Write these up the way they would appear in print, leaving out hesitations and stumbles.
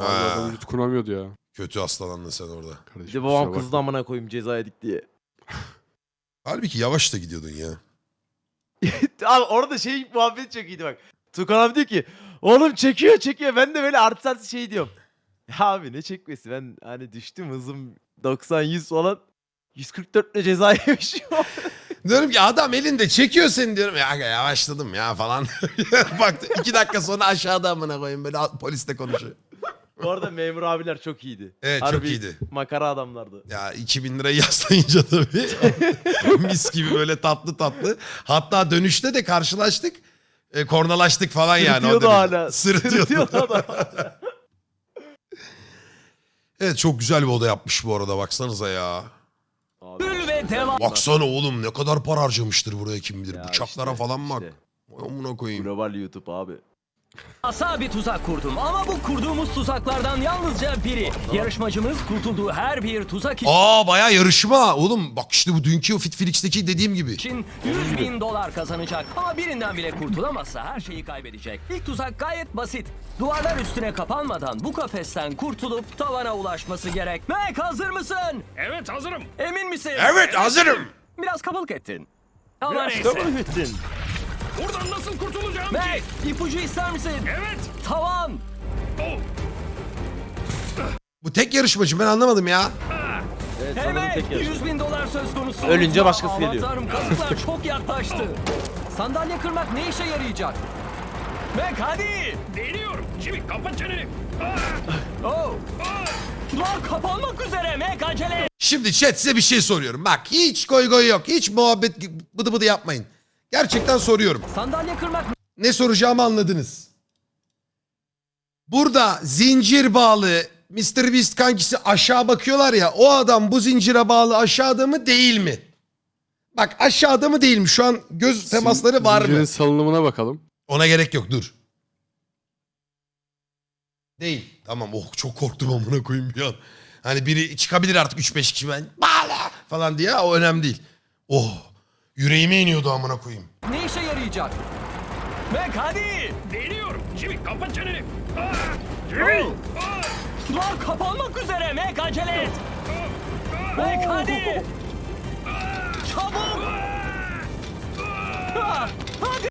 Abi adam yutkunamıyordu ya. Kötü hastalandın sen orada. Bir Kardeşim, de babam kusura kızdı bakma. amına koyayım ceza yedik diye. Halbuki yavaş da gidiyordun ya. Abi orada şey muhabbet çok iyiydi bak. Tukan abi diyor ki oğlum çekiyor. Ben de böyle artı şey diyorum. Ya abi ne çekmesi, ben hani düştüm hızım 90-100 falan. 144 ile ceza yemişim. Diyorum ki adam elinde çekiyor seni diyorum. Ya yavaşladım ya falan. Baktı 2 dakika sonra aşağıda amına koyayım böyle polisle konuşuyor. Bu arada memur abiler çok iyiydi. Evet çok Harbi iyiydi. makara adamlardı. Ya 2000 lirayı yaslayınca tabii. Mis gibi böyle tatlı tatlı. Hatta dönüşte de karşılaştık. Kornalaştık falan yani. Sırıtıyordu derece. hala. Sırıtıyordu. adam. Evet çok güzel bir oda yapmış bu arada baksanıza ya. Abi, Ve devam. Baksana oğlum ne kadar para harcamıştır buraya kim bilir. ya Bıçaklara işte, falan bak. işte. Vay amına koyayım. Global YouTube abi. Asa bir tuzak kurdum ama bu kurduğumuz tuzaklardan yalnızca biri. Yarışmacımız kurtulduğu her bir tuzak Aa bayağı yarışma. Oğlum bak işte bu dünkü o Fitflix'teki dediğim gibi. için 100 bin dolar kazanacak. Ama birinden bile kurtulamazsa her şeyi kaybedecek. İlk tuzak gayet basit. Duvarlar üstüne kapanmadan bu kafesten kurtulup tavana ulaşması gerek. Mac hazır mısın? Evet hazırım. Emin misin? Evet hazırım. Biraz kabalık ettin. Ama Biraz neyse. kabul ettin. Buradan nasıl kurtulacağım Mac ki? ipucu ister misin? Evet. Tavan. Oh. Bu tek yarışmacı ben anlamadım ya. Evet, sanırım Evet, tek yarışma. 100 bin dolar söz konusu. Ölünce başkası Aman geliyor. Tanrım, kazıklar çok yaklaştı. Sandalye kırmak ne işe yarayacak? Mac hadi. Deniyorum. Jimmy kapat çeneni. Ah, Oh. ah. Duvar kapanmak üzere Mac acele et. Şimdi chat size bir şey soruyorum. Bak hiç goy goy yok. Hiç muhabbet bıdı bıdı yapmayın. Gerçekten soruyorum. Sandalye kırmak Ne soracağımı anladınız. Burada zincir bağlı Mr. Beast kankisi aşağı bakıyorlar ya. O adam bu zincire bağlı aşağıda mı değil mi? Bak aşağıda mı değil mi? Şu an göz temasları var Zincirin mı? salınımına bakalım. Ona gerek yok dur. Değil. Tamam oh çok korktum amına koyayım bir an. Hani biri çıkabilir artık 3-5 kişi ben bağla falan diye o önemli değil. Oh yüreğime iniyordu amına koyayım. ne işe yarayacak? Mac hadi. Deniyorum. Jimmy kapat çeneni. Ah, Jimmy. Oh. Ah, Duvar kapanmak üzere Mac acele et. Mac hadi. Çabuk. Ah, hadi.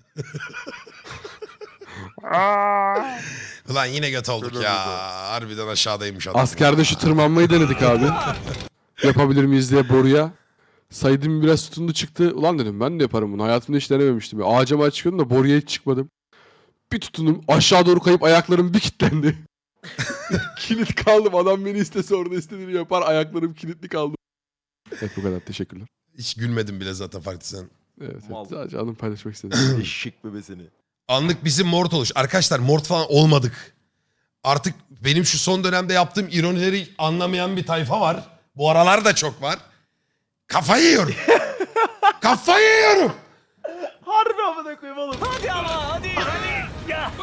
Ulan yine göt olduk ya. Harbiden aşağıdaymış adam. Askerde şu tırmanmayı denedik abi. Yapabilir miyiz diye boruya. Saydım biraz tutundu çıktı. Ulan dedim ben de yaparım bunu. Hayatımda hiç denememiştim. Ya. Ağaca çıkıyordum da boruya hiç çıkmadım. Bir tutundum aşağı doğru kayıp ayaklarım bir kilitlendi. Kilit kaldım. Adam beni istese orada istediğini yapar. Ayaklarım kilitli kaldı. Evet bu kadar. Teşekkürler. Hiç gülmedim bile zaten farklı sen. Evet, Mal. evet. Sadece anımı paylaşmak istedim. Eşek bebesini. Anlık bizim mort oluş. Arkadaşlar mort falan olmadık. Artık benim şu son dönemde yaptığım ironileri anlamayan bir tayfa var. Bu aralar da çok var. Kafayı yiyorum. Kafayı yiyorum. Harbi amına koyayım oğlum. Hadi ama hadi. Ya.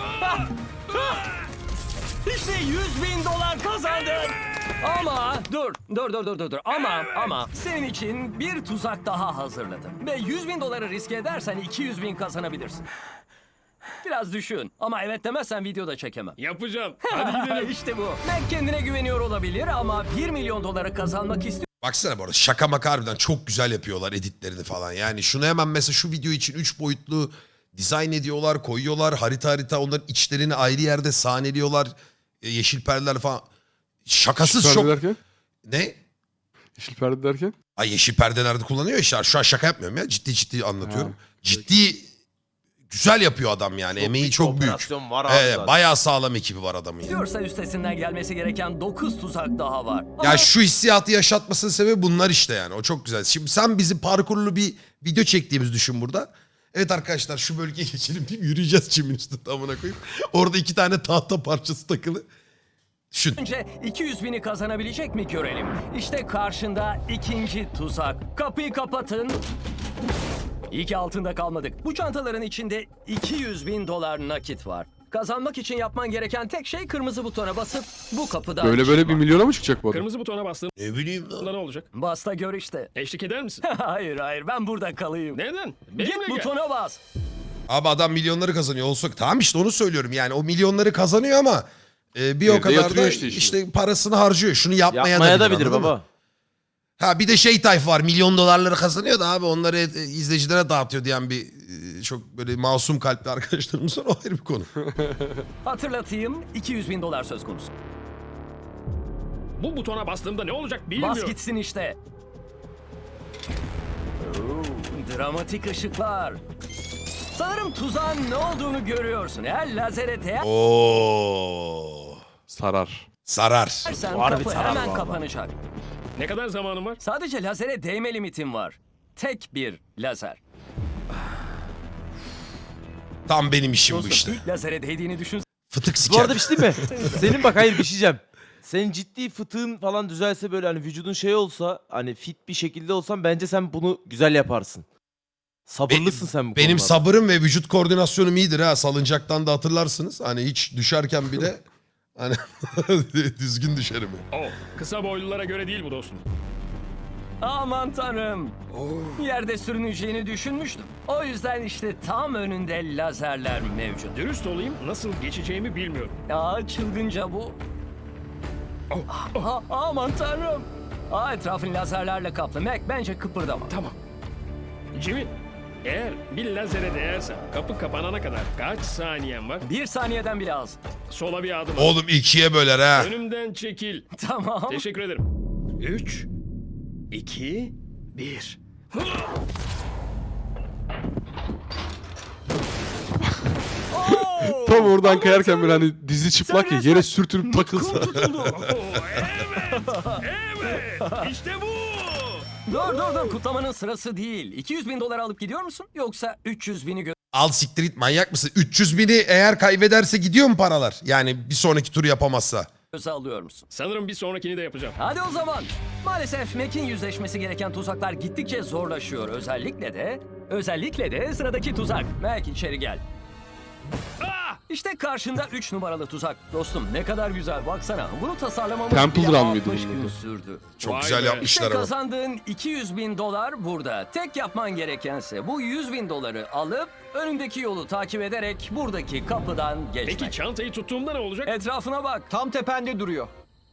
İşte 100 bin dolar kazandın. Ama dur. Ama senin için bir tuzak daha hazırladım. Ve 100 bin doları riske edersen 200 bin kazanabilirsin. Biraz düşün. Ama evet demezsen videoda çekemem. yapacağım. Hadi gidelim. İşte bu. Mac kendine güveniyor olabilir ama 1 milyon doları kazanmak istiyor. Baksana bu arada şaka maka harbiden çok güzel yapıyorlar editlerini falan. Yani şunu hemen mesela şu video için 3 boyutlu dizayn ediyorlar, koyuyorlar. Harita onların içlerini ayrı yerde sahneliyorlar. Yeşil perdeler falan. Şakasız Yeşil çok... perde derken? Ne? Yeşil perde derken? Ay yeşil perdelerde kullanıyor işte. Şu an şaka yapmıyorum ya. Ciddi anlatıyorum. Ha, Ciddi güzel yapıyor adam yani. Emeği çok büyük. Operasyon var abi Evet, zaten. bayağı sağlam ekibi var adamın yani. Diyorsa üstesinden gelmesi gereken 9 tuzak daha var. Ya şu hissiyatı yaşatmasının sebebi bunlar işte yani. O çok güzel. Şimdi sen bizi parkurlu bir video çektiğimizi düşün burada. Evet arkadaşlar şu bölgeye geçelim deyip yürüyeceğiz çimin üstünde amına koyayım. Orada 2 tane tahta parçası takılı. Düşün. Önce 200 bini kazanabilecek mi görelim. İşte karşında ikinci tuzak. Kapıyı kapatın. İyi ki altında kalmadık. Bu çantaların içinde 200 bin dolar nakit var. Kazanmak için yapman gereken tek şey kırmızı butona basıp bu kapıdan Böyle çıkmak. 1 milyona mı çıkacak bu adam? Kırmızı butona bastığımda Ne bileyim lan. ne olacak? Bas da gör işte. Eşlik eder misin? hayır ben burada kalayım. Neden? Git Benimle gel. butona bas. Abi adam milyonları kazanıyor olsa tamam işte onu söylüyorum yani o milyonları kazanıyor ama Bir o Evde kadar da yatırıyor işte işini. işte parasını harcıyor. Şunu yapmaya, Yapmaya da bilir, bilir anladın mı? baba. Ha bir de şey tayfa var, milyon dolarları kazanıyor da abi onları izleyicilere dağıtıyor diyen bir çok böyle masum kalpli arkadaşlarımız var. O ayrı bir konu. Hatırlatayım, 200 bin dolar söz konusu. Bu butona bastığımda ne olacak Bas bilmiyorum. gitsin işte. Oo, dramatik ışıklar. Sanırım tuzağın ne olduğunu görüyorsun. Eğer lazere Oo. Sarar. Sarar. değersen Harbi kapı sarar hemen vallahi. kapanacak. Ne kadar zamanım var? Sadece lazere değme limitin var. Tek bir lazer. Tam benim işim bu Dostum, işte. ilk lazere değdiğini düşün. Fıtık Bu siker. arada bir şey değil mi? Senin bak hayır bir şey diyeceğim. Senin ciddi fıtığın falan düzelse böyle hani vücudun şey olsa hani fit bir şekilde olsan bence sen bunu güzel yaparsın. Sabırlısın sen bu Benim konularda. sabırım ve vücut koordinasyonum iyidir ha. Salıncaktan da hatırlarsınız. Hani hiç düşerken bile hani düzgün düşerim. Oh, kısa boylulara göre değil bu dostum. Aman tanrım. Yerde sürüneceğini düşünmüştüm. O yüzden işte tam önünde lazerler mevcut. Dürüst olayım, nasıl geçeceğimi bilmiyorum. Çılgınca bu. Aman tanrım. Etrafın lazerlerle kaplı. Mac bence kıpırdama. Tamam. Jimmy, eğer bir lazere değersem kapı kapanana kadar kaç saniyen var? 1 saniyeden bile az. Sola bir adım at. Oğlum ikiye böler ha. Önümden çekil. Tamam. Teşekkür ederim. 3, 2, 1. Tam oradan kayarken böyle hani dizi çıplak ya yere sürtünüp takılsa. Tutuldu. Evet, işte bu. dur kutlamanın sırası değil. 200 bin dolar alıp gidiyor musun? Yoksa 300 bini Al siktir git, manyak mısın? 300 bini eğer kaybederse gidiyor mu paralar? Yani bir sonraki turu yapamazsa. göze alıyor musun? Sanırım bir sonrakini de yapacağım. Hadi o zaman. Maalesef Mac'in yüzleşmesi gereken tuzaklar gittikçe zorlaşıyor. Özellikle de sıradaki tuzak. Mac içeri gel. İşte karşında 3 numaralı tuzak. Dostum ne kadar güzel baksana. Bunu tasarlamamız Temple bile Run 60 mıydı gün bunun sürdü. Çok Vay güzel be. yapmışlar İşte ama. kazandığın 200 bin dolar burada. Tek yapman gerekense bu 100 bin doları alıp önündeki yolu takip ederek buradaki kapıdan geçmek. Peki çantayı tuttuğumda ne olacak? Etrafına bak. Tam tepende duruyor.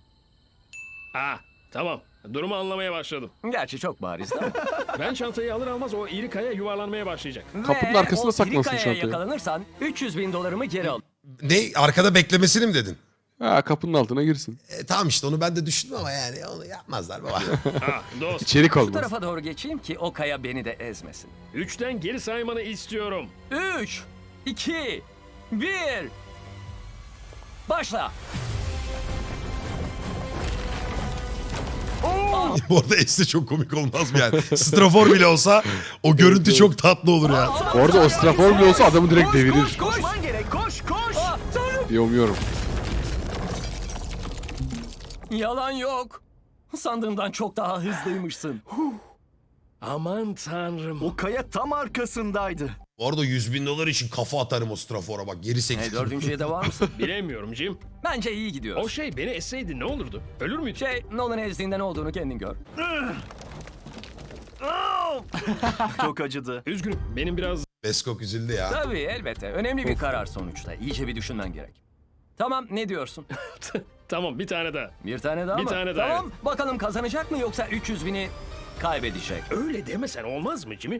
Tamam. Durumu anlamaya başladım. Gerçi çok barizdi ama. Ben çantayı alır almaz o iri kaya yuvarlanmaya başlayacak. Kapının Ve arkasına o saklansın iri kayaya çantayı. yakalanırsan 300 bin dolarımı geri al. Ne? Arkada beklemesini mi dedin? Ha, kapının altına girsin. Tamam işte onu ben de düşündüm ama yani onu yapmazlar baba. Dost. İçerik Bu olmaz. tarafa doğru geçeyim ki o kaya beni de ezmesin. 3'ten geri saymanı istiyorum. 3, 2, 1. Başla. Bu arada Es'te çok komik olmaz mı yani? Strafor bile olsa o görüntü çok tatlı olur ya. Orada o strafor bile olsa adamı direkt devirir. Koşman gerek. Koş. Tanrım. diye umuyorum. Yalan yok. Sandığımdan çok daha hızlıymışsın. Aman tanrım. O kaya tam arkasındaydı. Bu arada 100 bin dolar için kafa atarım o strafora bak geri sektir. Dördüncüye de var mısın? Bilemiyorum Jim. Bence iyi O gidiyor. şey beni esseydi ne olurdu? Ölür müydü? Nolan ezdiğinde ne olduğunu kendin gör. Çok acıdı. Üzgünüm. Benim biraz Beskok üzüldü ya. Tabii elbette. Önemli bir karar sonuçta. İyice bir düşünmen gerek. Tamam ne diyorsun? Tamam bir tane daha. Bir tane daha Bir mı? tane daha, Tamam bakalım kazanacak mı yoksa 300 bini kaybedecek. Öyle demesen olmaz mı Jimmy?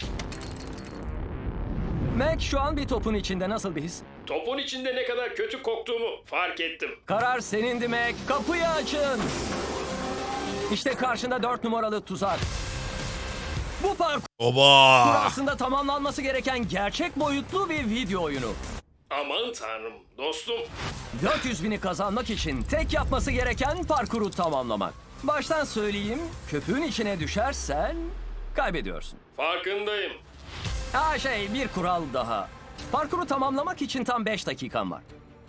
Mac şu an bir topun içinde nasıl bir his? Topun içinde ne kadar kötü koktuğumu fark ettim. Karar senindi Mac. Kapıyı açın. İşte karşında 4 numaralı tuzak. Bu parkur Oba! aslında tamamlanması gereken gerçek boyutlu bir video oyunu. Aman tanrım dostum. 400 bini kazanmak için tek yapması gereken parkuru tamamlamak. Baştan söyleyeyim, köpüğün içine düşersen kaybediyorsun. Farkındayım. Bir kural daha. Parkuru tamamlamak için tam 5 dakikan var.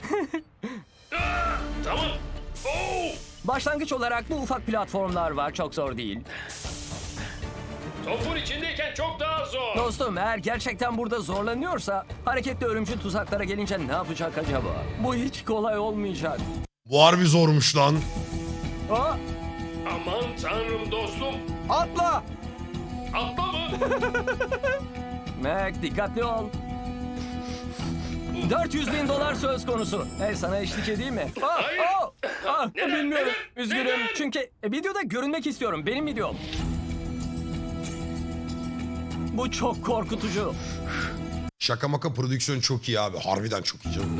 Tamam. Oo! Başlangıç olarak bu ufak platformlar var, çok zor değil. Topun içindeyken çok daha zor. Dostum eğer gerçekten burada zorlanıyorsa hareketli ölümcül tuzaklara gelince ne yapacak acaba? Bu hiç kolay olmayacak. Bu harbi zormuş lan. Aa, Aman tanrım dostum. Atla! Atla mı? Mac dikkatli ol. 400 bin dolar söz konusu. Sana eşlik edeyim mi? Hayır. Bilmiyorum. Üzgünüm. Neden? Çünkü videoda görünmek istiyorum. Benim videom. Bu çok korkutucu. Şaka maka prodüksiyon çok iyi abi. Harbiden çok iyi canım.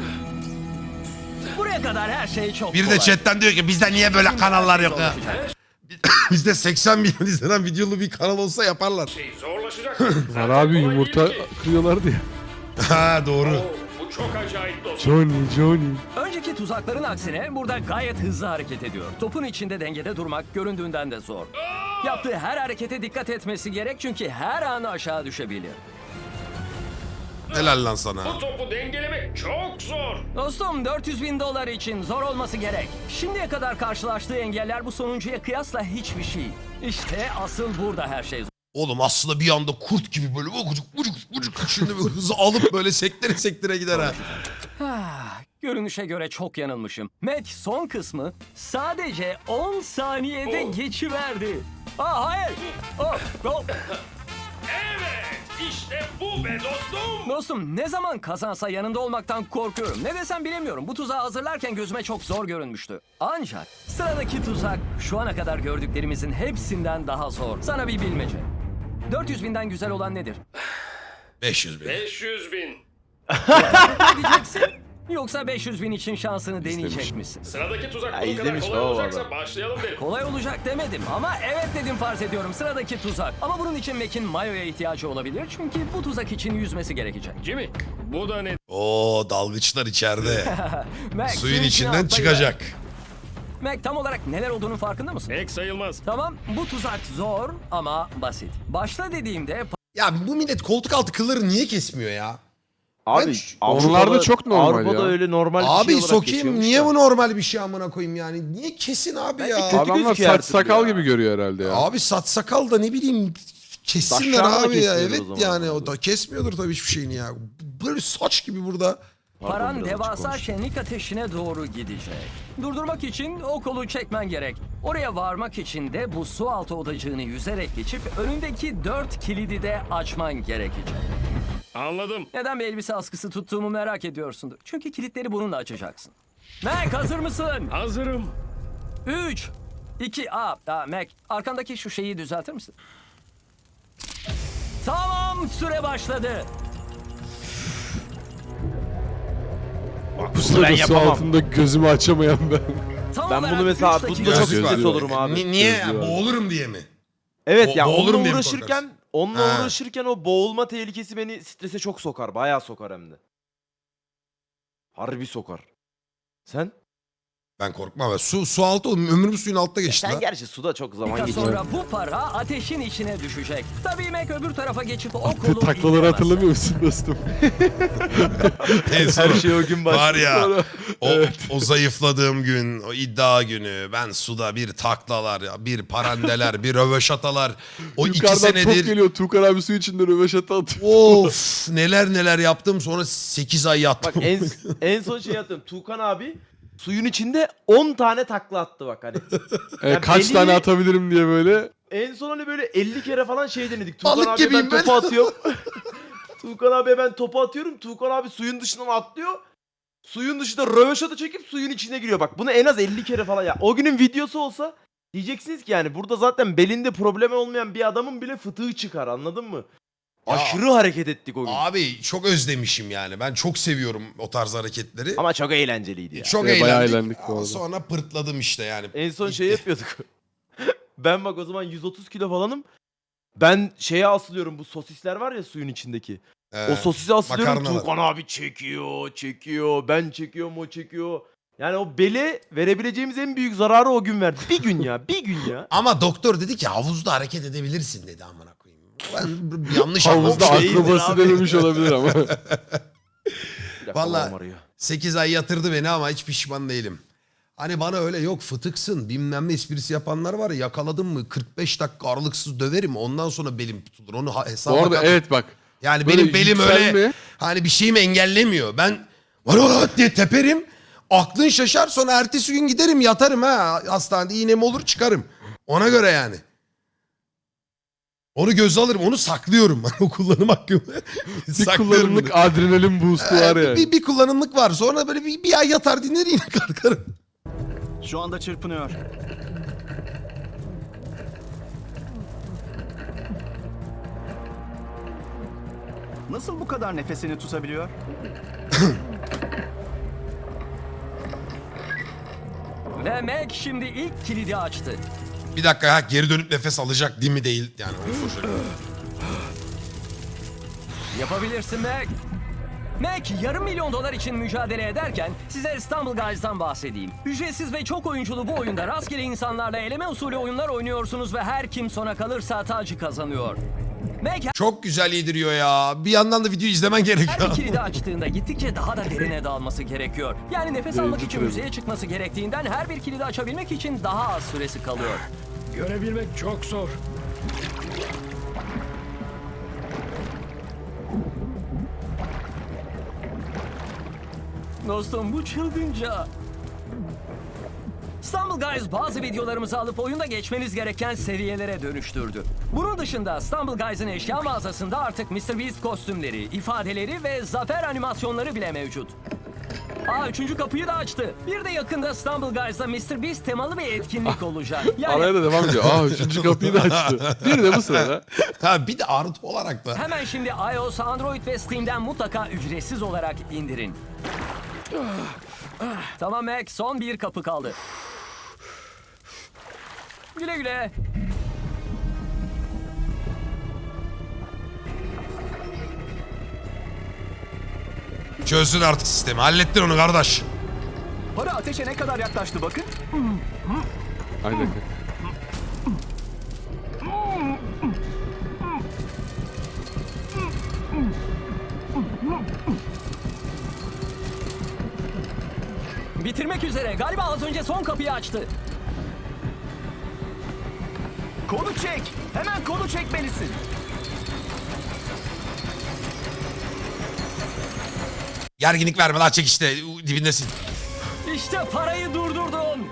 Buraya kadar her şey çok Bir kolay. de chatten diyor ki bizde niye böyle kanallar yok ya? Zorlaşacak. Bizde 80 milyon izlenen videolu bir kanal olsa yaparlar. Zorlaşacak. Var abi yumurta kırıyorlardı ya. Ha doğru. Bu çok acayip dostum. Johnny. Önceki tuzakların aksine burada gayet hızlı hareket ediyor. Topun içinde dengede durmak göründüğünden de zor. Yaptığı her harekete dikkat etmesi gerek çünkü her an aşağı düşebilir. Helal lan sana. Bu topu dengelemek çok zor. Dostum 400 bin dolar için zor olması gerek. Şimdiye kadar karşılaştığı engeller bu sonuncuya kıyasla hiçbir şey. İşte asıl burada her şey zor. Oğlum aslında bir anda kurt gibi böyle vucuk şimdi bir hızı alıp böyle sektire gider ha. Görünüşe göre çok yanılmışım. Mac son kısmı sadece 10 saniyede geçiverdi. Hayır. Oh. Evet, işte bu be dostum. Dostum ne zaman kazansa yanında olmaktan korkuyorum. Ne desem bilemiyorum. Bu tuzağı hazırlarken gözüme çok zor görünmüştü. Ancak sıradaki tuzak şu ana kadar gördüklerimizin hepsinden daha zor. Sana bir bilmece. 400 binden güzel olan nedir? 500 bin. 500 bin. Ne diyeceksin? Yoksa 500 bin için şansını deneyecek misin? Sıradaki tuzak Ya bu kadar izlemiş kolay baba olacaksa adam. başlayalım derim. Kolay olacak demedim ama evet dedim farz ediyorum sıradaki tuzak. Ama bunun için Mac'in mayoya ihtiyacı olabilir çünkü bu tuzak için yüzmesi gerekecek. Jimmy, bu da ne? Oo dalgıçlar içeride. Mac, Suyun içine içinden atlayıver. çıkacak. Mac tam olarak neler olduğunun farkında mısın? Pek sayılmaz. Tamam bu tuzak zor ama basit. Başla dediğimde Ya bu millet koltuk altı kılları niye kesmiyor ya? Abi Onlarda çok normal Avrupa'da ya. öyle normal bir Abi şey olarak sokayım geçiyormuş niye da. bu normal bir şey amına koyayım yani? Niye kesin abi Bence ya? kötü Adamlar gözüküyor her saç türlü sakal ya. gibi görüyor herhalde ya. Abi saç sakal da ne bileyim kessinler Saçlarını da abi ya. kesmiyordur Evet o zaman. yani o da kesmiyordur tabii hiçbir şeyini ya. Böyle saç gibi burada. paran biraz açık devasa konuştum. şenlik ateşine doğru gidecek. Durdurmak için o kolu çekmen gerek. Oraya varmak için de bu su altı odacığını yüzerek geçip önündeki 4 kilidi de açman gerekecek. Anladım. Neden bir elbise askısı tuttuğumu merak ediyorsundur. Çünkü kilitleri bununla açacaksın. Mac hazır mısın? Hazırım. 3, 2, Mac arkandaki şu şeyi düzeltir misin? Tamam süre başladı. Bu sırada su yapamam. altında gözümü açamayan ben. Tam Ben olarak bunu mesela üç dakika- bunda çok Gözlüğü stres var. olurum abi. Niye? Gözlüğü var. Boğulurum diye mi? Evet ya boğulurum onunla diye mi uğraşırken Ha. o boğulma tehlikesi beni strese çok sokar. Bayağı sokar hem de. Harbi sokar. Sen? Ben korkmam. Ben su altı oğlum. Ömrüm suyun altta geçti Sen lan. gerçi suda çok zaman Dakika geçiyor. sonra bu para ateşin içine düşecek. Tabii Mac öbür tarafa geçip o Attığı kolu taklaları indiremezse. hatırlamıyor musun dostum? En son Her şey o gün başlıyor. var ya Sonra- o zayıfladığım gün, o iddia günü ben suda bir taklalar, bir parandeler, bir röveşatalar. O 2 Yukarıdan top senedir geliyor. Tuğkan abi su içinde röveşata atıyor. of neler yaptım sonra 8 ay yattım. Bak en son şey yaptım. Tuğkan abi suyun içinde 10 tane takla attı bak hani. Ya Kaç belli- tane atabilirim diye böyle. En son hani böyle 50 kere falan şey denedik. Tuğkan Balık abiye gibiyim ben. topu atıyorum. Tuğkan abiye ben topu atıyorum. Tuğkan abi suyun dışından atlıyor. Suyun dışında röveşata çekip suyun içine giriyor. Bak bunu en az 50 kere falan ya. O günün videosu olsa diyeceksiniz ki yani burada zaten belinde problemi olmayan bir adamın bile fıtığı çıkar anladın mı? Ya. Aşırı hareket ettik o gün. Abi çok özlemişim yani. Ben çok seviyorum o tarz hareketleri. Ama çok eğlenceliydi ya. Çok Bayağı eğlendik. eğlendik bu Ama arada. sonra pırtladım işte yani. En son şey yapıyorduk. Ben bak o zaman 130 kilo falanım. Ben şeye asılıyorum bu sosisler var ya suyun içindeki. O sosisi asılıyorum. makarnalar. Tuğkan abi çekiyor. Ben çekiyorum o çekiyor. Yani o bele verebileceğimiz en büyük zararı o gün verdi. Bir gün ya. Ama doktor dedi ki havuzda hareket edebilirsin dedi amına koyayım. Ben yanlış Havuzda anlamış değildir akrobası abi. denemiş olabilir ama. Bir dakika, Vallahi- babam arıyor. 8 ay yatırdı beni ama hiç pişman değilim. Hani bana öyle yok fıtıksın bilmem ne esprisi yapanlar var ya yakaladım mı 45 dakika aralıksız döverim ondan sonra belim tutulur. Onu hesaba Bu arada kat. evet bak. Yani böyle benim belim öyle yükselme- hani bir şeyimi engellemiyor. Ben var diye teperim aklın şaşar sonra ertesi gün giderim yatarım ha hastanede iğnem olur çıkarım. Ona göre yani. Onu göze alırım. Onu saklıyorum. Ben o kullanım hakkımı Bir saklıyorum. kullanımlık adrenalin boost'u var yani. Bir kullanımlık var. Sonra böyle bir ay yatar dinler yine kalkarım. Şu anda çırpınıyor. Nasıl bu kadar nefesini tutabiliyor? Ve Mac şimdi ilk kilidi açtı. Bir dakika ha, geri dönüp nefes alacak değil mi değil. Yani o şöyle. Yapabilirsin Mac. Mac yarım milyon dolar için mücadele ederken size İstanbul Guys'dan bahsedeyim. Ücretsiz ve çok oyunculu bu oyunda rastgele insanlarla eleme usulü oyunlar oynuyorsunuz ve her kim sona kalırsa tacı kazanıyor. Mac Çok güzel yediriyor ya. Bir yandan da videoyu izlemen her gerekiyor. bir kilidi açtığında gittikçe daha da derine dalması gerekiyor. Yani nefes almak için müzeye çıkması gerektiğinden her bir kilidi açabilmek için daha az süresi kalıyor. Görebilmek çok zor. Dostum bu çılgınca. İstanbul Guys bazı videolarımızı alıp oyunda geçmeniz gereken seviyelere dönüştürdü. Bunun dışında İstanbul Guys'ın eşya mağazasında artık MrBeast kostümleri, ifadeleri ve zafer animasyonları bile mevcut. Üçüncü kapıyı da açtı. Bir de yakında İstanbul Guys'da MrBeast temalı bir etkinlik olacak. Yani Araya da devam ediyor. Üçüncü kapıyı da açtı. Bir de bu sırada. Ha, bir de artı olarak da. hemen şimdi iOS, Android ve Steam'den mutlaka ücretsiz olarak indirin. Tamam Mac, son bir kapı kaldı. Güle güle. Çözdün artık sistemi. Hallettin onu kardeş. Para ateşe ne kadar yaklaştı bakın. Aynen. Bitirmek üzere. Galiba az önce son kapıyı açtı. Kolu çek. Hemen kolu çekmelisin. Gerginlik verme lan, çek işte. Dibindesin. İşte parayı durdurdun.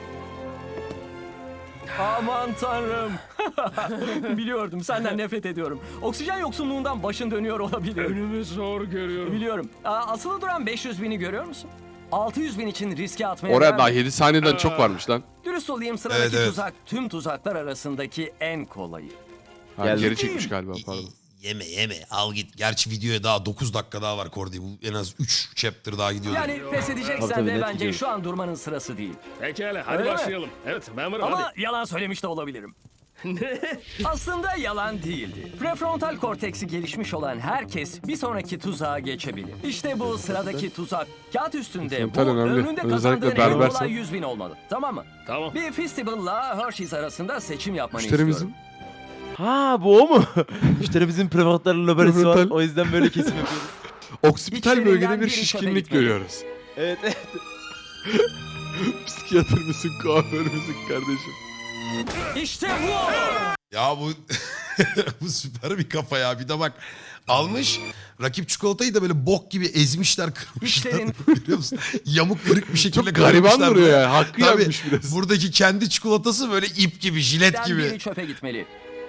Aman tanrım. Biliyordum, senden nefret ediyorum. Oksijen yoksunluğundan başın dönüyor olabilir. Önümü zor görüyorum. Biliyorum. Asılı duran 500 bini görüyor musun? 600 bin için riske atmaya Oraya değer daha mi? 7 saniyeden çok varmış lan. Dürüst olayım, sıradaki Evet. tuzak tüm tuzaklar arasındaki en kolayı. Ha, geri çekmiş galiba, pardon. Yeme al git. Gerçi videoya daha 9 dakika daha var Kordi. Bu en az 3 chapter daha gidiyor. Yani pes edeceksen Tabii, de net bence gidiyor. şu an durmanın sırası değil. Pekala hadi Öyle mi? başlayalım. Evet ben varım Ama hadi. yalan söylemiş de olabilirim. Aslında yalan değildi. Prefrontal korteksi gelişmiş olan herkes bir sonraki tuzağa geçebilir. İşte bu sıradaki tuzak. Kağıt üstünde bu Prefrontal önemli. önünde Özellikle kazandığın en berbersen. kolay 100 bin olmalı. Tamam mı? Tamam. Bir Festivale'la Hershey's arasında seçim yapmanı Müşterimizin istiyorum. Ha bu o mu? Müşterimizin prefrontal lobarisi var. Prefrontal. O yüzden böyle kesim yapıyoruz. oksipital İçlerinden bölgede bir biri çöpe şişkinlik gitmeli. görüyoruz. Evet evet. Psikiyatr mısın, kuaför müsün kardeşim? İşte bu! Ya bu bu süper bir kafa ya. Bir de bak, almış rakip çikolatayı da böyle bok gibi ezmişler, kırmışlar. İşlerin- Biliyor musun? Yamuk kırık bir şekilde Çok gariban kırmışlar duruyor böyle. ya. Hakkı Tabii, yapmış biraz. buradaki kendi çikolatası böyle ip gibi, jilet Biri gibi. çöpe gitmeli.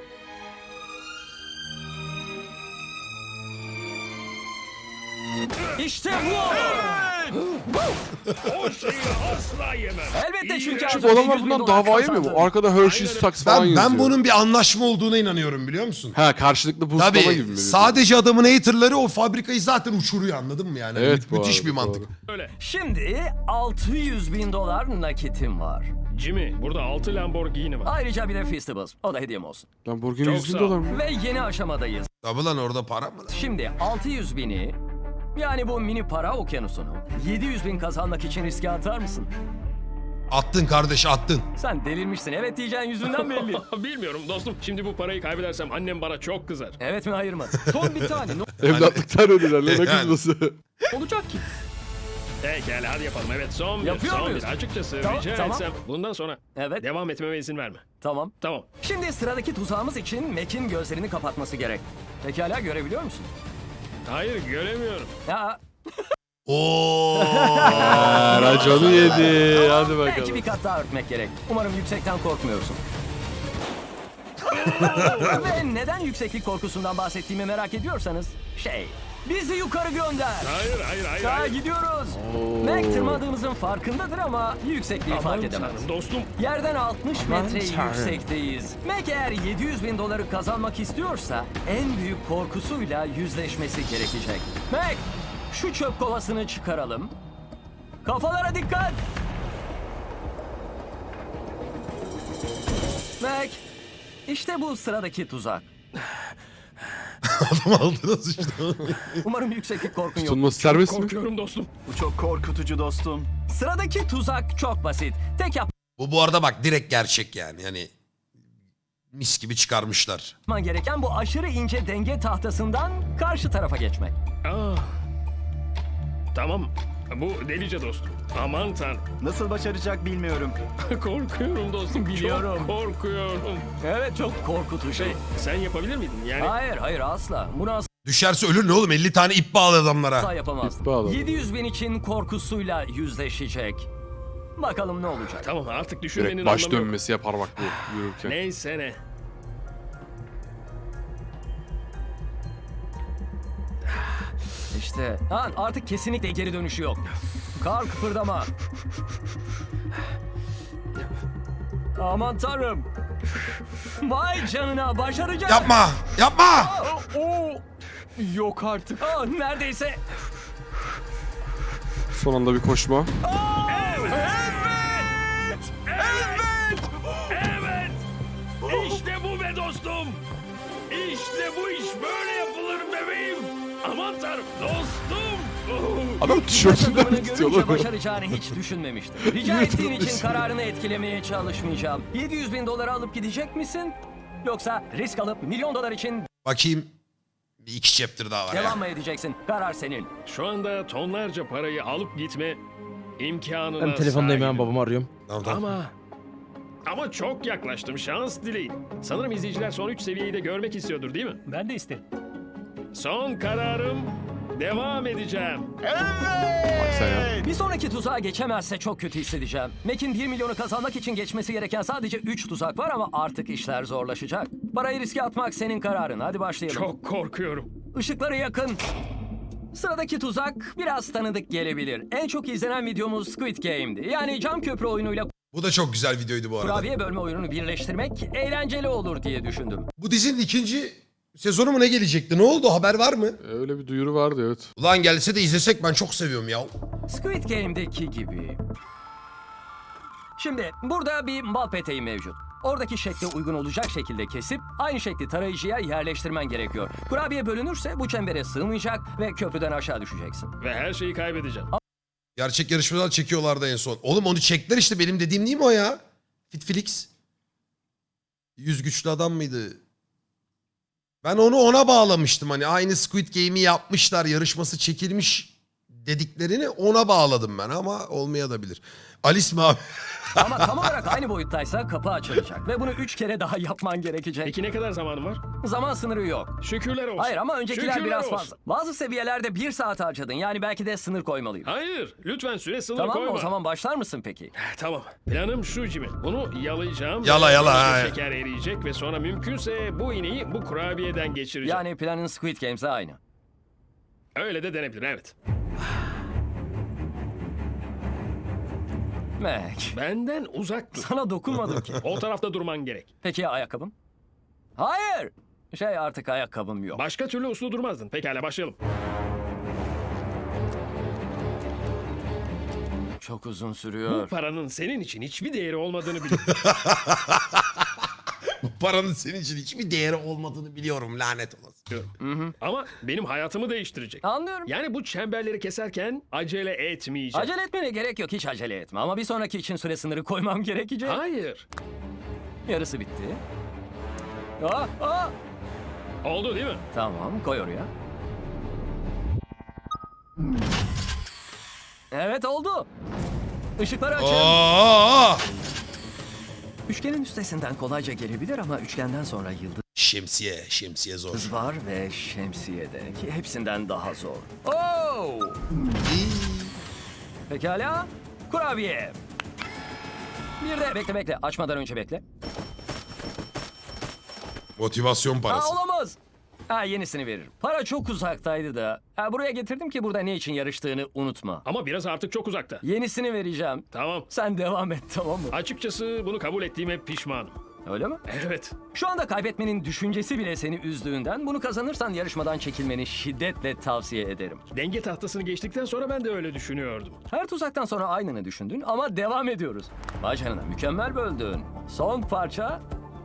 İşte bu! O şeyi asla yemem. Elbette çünkü Şu az önce adamlar 100 bin bundan dolar davaya mı bu? kazandın. Arkada Hershey's Saks falan Ben yazıyor. bunun bir anlaşma olduğuna inanıyorum, biliyor musun? Ha, karşılıklı boostlama gibi Tabii mi? sadece adamın haterları o fabrikayı zaten uçuruyor, anladın mı yani? Evet, bu Müthiş arada, bir mantık. doğru. Öyle. Şimdi 600 bin dolar nakitim var. Jimmy burada 6 Lamborghini var. Ayrıca bir de Festivals. O da hediyem olsun. Lamborghini Çok 100 bin sağ ol. dolar mı? Ve yeni aşamadayız. Tabii lan, orada para mı? Şimdi 600 bini, yani bu mini para okyanusunu 700 bin kazanmak için riske atar mısın? Attın kardeş, attın. Sen delirmişsin. Evet diyeceğin yüzünden belli. Bilmiyorum dostum. Şimdi bu parayı kaybedersem annem bana çok kızar. Evet mi hayır mı? Son bir tane. Ne Evlatlıktan ödüler lan, ne Yani. kızması. olacak ki? Pekala hadi yapalım. Evet son bir. Yapıyor Son muyuz? bir. Açıkçası Tamam, rica tamam. etsem bundan sonra Evet. devam etmeme izin verme. Tamam. Tamam. Şimdi sıradaki tuzağımız için Mac'in gözlerini kapatması gerek. Pekala görebiliyor musun? Hayır göremiyorum. Ya Oo. Raconu yedi. Hadi belki bir bakalım. kat daha örtmek gerek. Umarım yüksekten korkmuyorsun. Ve neden yükseklik korkusundan bahsettiğimi merak ediyorsanız bizi yukarı gönder. Hayır. Daha gidiyoruz. Mac tırmadığımızın farkındadır ama yüksekliği fark edemez. Tanrım dostum. Yerden 60 metre Tanrım. yüksekteyiz. Mac eğer 700 bin doları kazanmak istiyorsa en büyük korkusuyla yüzleşmesi gerekecek. Mac, şu çöp kovasını çıkaralım. Kafalara dikkat. Mac, işte bu sıradaki tuzak. Adam altına sıçtı. Umarım yükseklik korkun yok. Tutunması serbest mi? Korkuyorum dostum. Bu çok korkutucu dostum. Sıradaki tuzak çok basit. Tek Bu arada bak direkt gerçek yani. Yani mis gibi çıkarmışlar. yapman gereken bu aşırı ince denge tahtasından karşı tarafa geçmek. Tamam. Bu delice dostum. Aman tanrım. Nasıl başaracak bilmiyorum. Korkuyorum dostum. Biliyorum. Çok korkuyorum. Evet, çok korkutucu. Sen yapabilir miydin? Yani Hayır asla. Bunu asla Düşerse ölür ne oğlum? 50 tane ip bağlı adamlara. yapamazdım. İp bağladı. 700 bin için korkusuyla yüzleşecek. Bakalım ne olacak. tamam artık düşünmenin Direkt baş anlamı yok. dönmesi yapar bak bu yürürken. Neyse ne. İşte artık kesinlikle geri dönüşü yok. Kar kıpırdama. Aman tanrım. Vay canına, başaracak. Yapma! Yapma! Yok artık. Neredeyse. Son anda bir koşma. Evet. İşte bu be dostum. İşte bu iş böyle yapılır bebeğim. Aman tanrım dostum. Adam tişörtünden Takımını tutuyor görünce lan. başaracağını hiç düşünmemiştim. Rica ettiğin için kararını etkilemeye çalışmayacağım. 700 bin doları alıp gidecek misin? Yoksa risk alıp milyon dolar için Bakayım. Bir iki chapter daha var ya. devam mı edeceksin? Karar senin. Şu anda tonlarca parayı alıp gitme imkanına Ben telefondayım sahibim. babamı arıyorum. Tamam. Ama çok yaklaştım. Şans dileyin. Sanırım izleyiciler son 3 seviyeyi de görmek istiyordur değil mi? Ben de isterim. Son kararım. Devam edeceğim. Bak sen ya. Bir sonraki tuzağa geçemezse çok kötü hissedeceğim. Mac'in 1 milyonu kazanmak için geçmesi gereken sadece 3 tuzak var ama artık işler zorlaşacak. Parayı riske atmak senin kararın. Hadi başlayalım. Çok korkuyorum. Işıkları yakın. Sıradaki tuzak biraz tanıdık gelebilir. En çok izlenen videomuz Squid Game'di. Yani cam köprü oyunuyla Bu da çok güzel videoydu bu arada. kurabiye bölme oyununu birleştirmek eğlenceli olur diye düşündüm. Bu dizinin ikinci sezonu mu ne gelecekti? Ne oldu? Haber var mı? Öyle bir duyuru vardı evet. Ulan gelse de izlesek, ben çok seviyorum ya. Squid Game'deki gibi. Şimdi burada bir bal peteği mevcut. Oradaki şekle uygun olacak şekilde kesip aynı şekli tarayıcıya yerleştirmen gerekiyor. Kurabiye bölünürse bu çembere sığmayacak ve köprüden aşağı düşeceksin. Ve her şeyi kaybedeceğim. Gerçek yarışmadan çekiyorlardı en son. Oğlum onu çektiler işte, benim dediğim değil mi o ya? Fitflix. 100 güçlü adam mıydı? Ben onu ona bağlamıştım, hani aynı Squid Game'i yapmışlar, yarışması çekilmiş dediklerini ona bağladım ben, ama olmayabilir. Alice mi abi? Ama tam olarak aynı boyuttaysa kapı açılacak ve bunu 3 kere daha yapman gerekecek. Peki ne kadar zamanım var? Zaman sınırı yok. Şükürler olsun. Hayır ama öncekiler Şükürler biraz olsun. fazla. Bazı seviyelerde 1 saat harcadın. Yani belki de sınır koymalıyım. Hayır. Lütfen süre sınır Tamam koyma. mı? O zaman başlar mısın peki? Tamam. Planım şu Jimmy. Bunu yalayacağım. Yala, yala, Böylece ha. Şeker eriyecek ve sonra mümkünse bu iğneyi bu kurabiyeden geçireceğim. Yani planın Squid Games'e aynı. Öyle de denebilir evet. Mac, Benden uzak dur. sana dokunmadım ki. O tarafta durman gerek. Peki ya ayakkabım? Hayır. Artık ayakkabım yok. Başka türlü uslu durmazdın. Pekala başlayalım. Çok uzun Bu sürüyor. paranın senin için hiçbir değeri olmadığını biliyorum. Bu paranın senin için hiçbir değeri olmadığını biliyorum, lanet olası. Ama benim hayatımı değiştirecek. Anlıyorum. Yani bu çemberleri keserken acele etmeyeceğim. Acele etmene gerek yok. Hiç acele etme. Ama bir sonraki için süre sınırı koymam gerekecek. Hayır. Yarısı bitti. Oldu değil mi? Tamam, koy oraya. Evet oldu. Işıkları açın. Oo! Üçgenin üstesinden kolayca gelebilir ama üçgenden sonra yıldız Şemsiye zor. var ve şemsiye de ki hepsinden daha zor. Oo! Pekala. Kurabiye. Bir de bekle açmadan önce bekle. Motivasyon parası. Olamaz. Yenisini veririm. Para çok uzaktaydı da. Buraya getirdim ki burada ne için yarıştığını unutma. Ama biraz artık çok uzakta. Yenisini vereceğim. Tamam. Sen devam et, tamam mı? Açıkçası bunu kabul ettiğime pişmanım. Öyle mi? Evet. Şu anda kaybetmenin düşüncesi bile seni üzdüğünden bunu kazanırsan yarışmadan çekilmeni şiddetle tavsiye ederim. Denge tahtasını geçtikten sonra ben de öyle düşünüyordum. Her tuzaktan sonra aynını düşündün ama devam ediyoruz. Vay canına, mükemmel böldün. Son parça.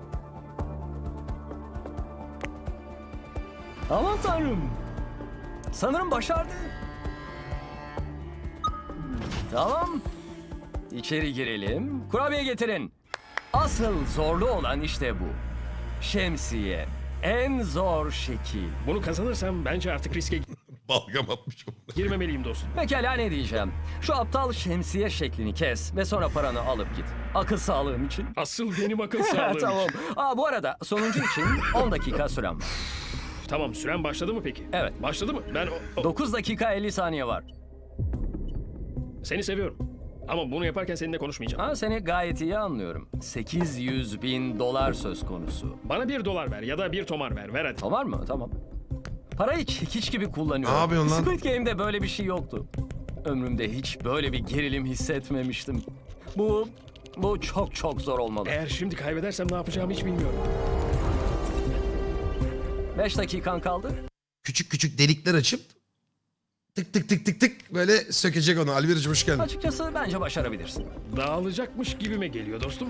Aman tanrım. Sanırım başardı. Tamam. İçeri girelim. Kurabiye getirin. Asıl zorlu olan işte bu. Şemsiye. En zor şekil. Bunu kazanırsam bence artık riske Balgam atmışım. girmemeliyim dostum. Pekala, ne diyeceğim? Şu aptal şemsiye şeklini kes ve sonra paranı alıp git. Akıl sağlığım için. Asıl benim akıl sağlığım. Tamam. Bu arada sonuncu için 10 dakika süren var. Tamam, süren başladı mı peki? Evet. Başladı mı? Ben 9 dakika 50 saniye var. seni seviyorum. Ama bunu yaparken seninle konuşmayacağım. Seni gayet iyi anlıyorum. 800.000 dolar söz konusu. Bana $1 ver ya da bir tomar ver. Ver hadi. Tamam mı? Tamam. Parayı çekiç gibi kullanıyorum. Ne yapıyorsun lan? Squid Game'de böyle bir şey yoktu. Ömrümde hiç böyle bir gerilim hissetmemiştim. Bu çok çok zor olmalı. Eğer şimdi kaybedersem ne yapacağımı hiç bilmiyorum. 5 dakikan kaldı. Küçük küçük delikler açıp tık tık tık tık tık böyle sökecek onu. Alviracım hoş geldin. Açıkçası bence başarabilirsin. Dağılacakmış gibime geliyor dostum.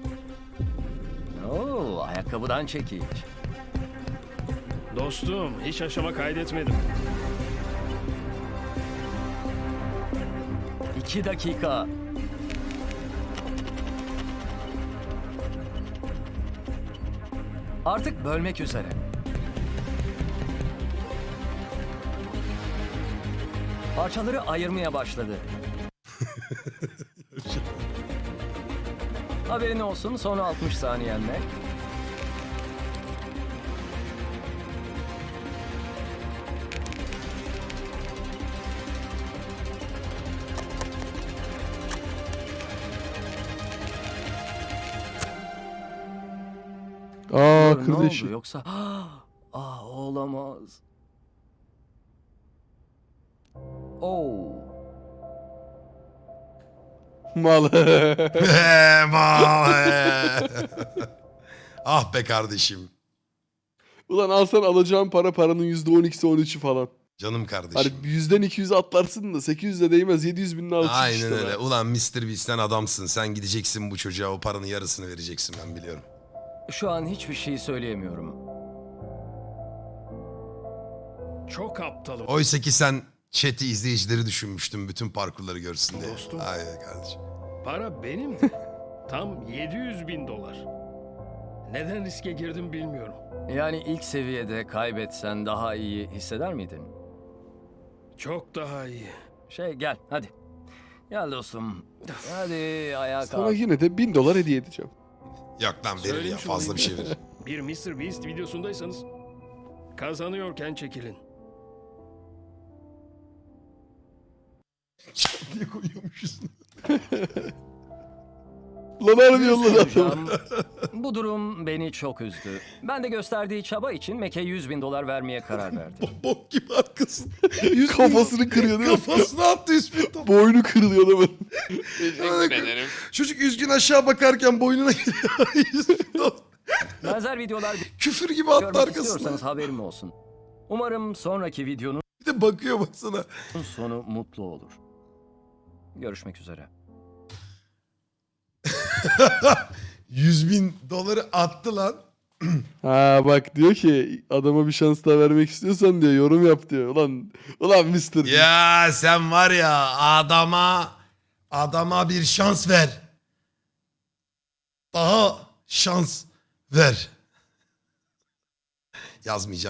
Ayakkabıdan çekiç. Dostum, hiç aşama kaydetmedim. 2 dakika. Artık bölmek üzere. Parçaları ayırmaya başladı. Haberin olsun, son 60 saniyenle. Aa Ne kırdı oldu işi. yoksa? Olamaz. Oh. Mal. Ah be kardeşim. Ulan alsan alacağın paranın %12'si 13'ü falan. Canım Hani kardeşim. 100'den 200'e atlarsın da 800'de değmez, 700.000'in altı Aynen işte öyle. be. Ulan Mr. Beast'ten adamsın. Sen gideceksin bu çocuğa o paranın yarısını vereceksin ben biliyorum. Şu an hiçbir şey söyleyemiyorum. Çok aptalım. Oysa ki sen chat'i izleyicileri düşünmüştün bütün parkurları görsün diye. Dostum. Aynen kardeşim. Para benim de. Tam $700.000. Neden riske girdim bilmiyorum. Yani ilk seviyede kaybetsen daha iyi hisseder miydin? Çok daha iyi. Gel hadi. Gel dostum. Hadi ayağa Sana kalk. yine de $1000 hediye edeceğim. Yok lan verir ya Söylemiş fazla olayım. bir şey verir. Bir Mr. Beast videosundaysanız kazanıyorken çekilin. diye koyuyormuşuz. Lan harbi Bir yolladı şey adamı. söyleyeceğim. Bu durum beni çok üzdü. Ben de gösterdiği çaba için Mac'e $100.000 vermeye karar verdim. Bok gibi arkasın. Kafasını kırıyor değil mi? Kafasına attı 100.000 dolar. Boynu kırılıyor adamın. Çocuk üzgün aşağı bakarken boynuna giriyor. 100.000 dolar. Benzer videolar Küfür gibi attı görmek arkasına. istiyorsanız haberim olsun. Umarım sonraki videonun Bir de bakıyor baksana. sonu mutlu olur. Görüşmek üzere. 100.000 doları attı lan. Ha bak diyor ki adama bir şans daha vermek istiyorsan diyor yorum yap diyor. Ulan Mr. Ya sen var ya adama bir şans ver. Daha şans ver. Yazmayacağım.